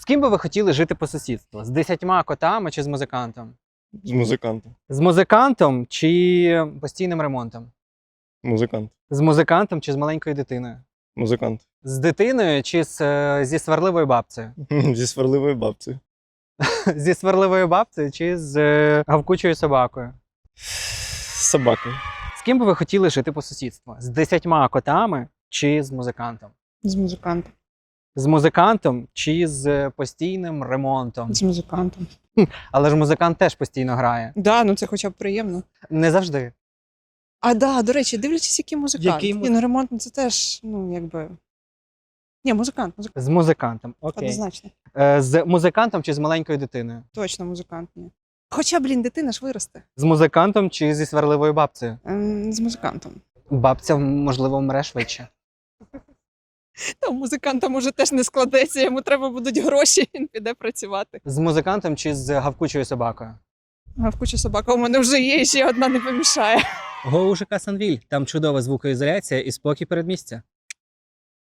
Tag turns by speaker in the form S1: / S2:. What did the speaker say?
S1: ким би ви хотіли жити по сусідству? З 10 котами чи з музикантом?
S2: З музикантом.
S1: З музикантом чи постійним ремонтом?
S2: Музикант.
S1: З музикантом чи з маленькою дитиною?
S2: Музикант.
S1: З дитиною чи зі сварливою бабцею?
S2: Зі сварливою бабцею.
S1: Зі сварливою бабцею чи з гавкучою собакою?
S2: З собакою.
S1: З ким би ви хотіли жити по сусідству? З 10 котами чи з музикантом?
S3: З музикантом.
S1: З музикантом чи з постійним ремонтом?
S3: З музикантом.
S1: Але ж музикант теж постійно грає.
S3: Да, ну це хоча б приємно.
S1: Не завжди.
S3: А да, до речі, дивлячись, який музикант.
S1: Який
S3: Ні, ну ремонт, ну, це теж, ну, якби. Ні, музикант.
S1: З музикантом. Окей.
S3: Однозначно.
S1: З музикантом чи з маленькою дитиною?
S3: Точно музикант, ні. Хоча, блін, дитина ж виросте.
S1: З музикантом чи зі сварливою бабцею?
S3: З музикантом.
S1: Бабця, можливо, вмре швидше.
S3: Та у музиканта може теж не складеться, йому треба будуть гроші, він піде працювати.
S1: З музикантом чи з гавкучою собакою?
S3: Гавкуча собака у мене вже є, і ще одна не помішає.
S1: Го у ЖК Санвіль. Там чудова звукоізоляція і спокій передмістя.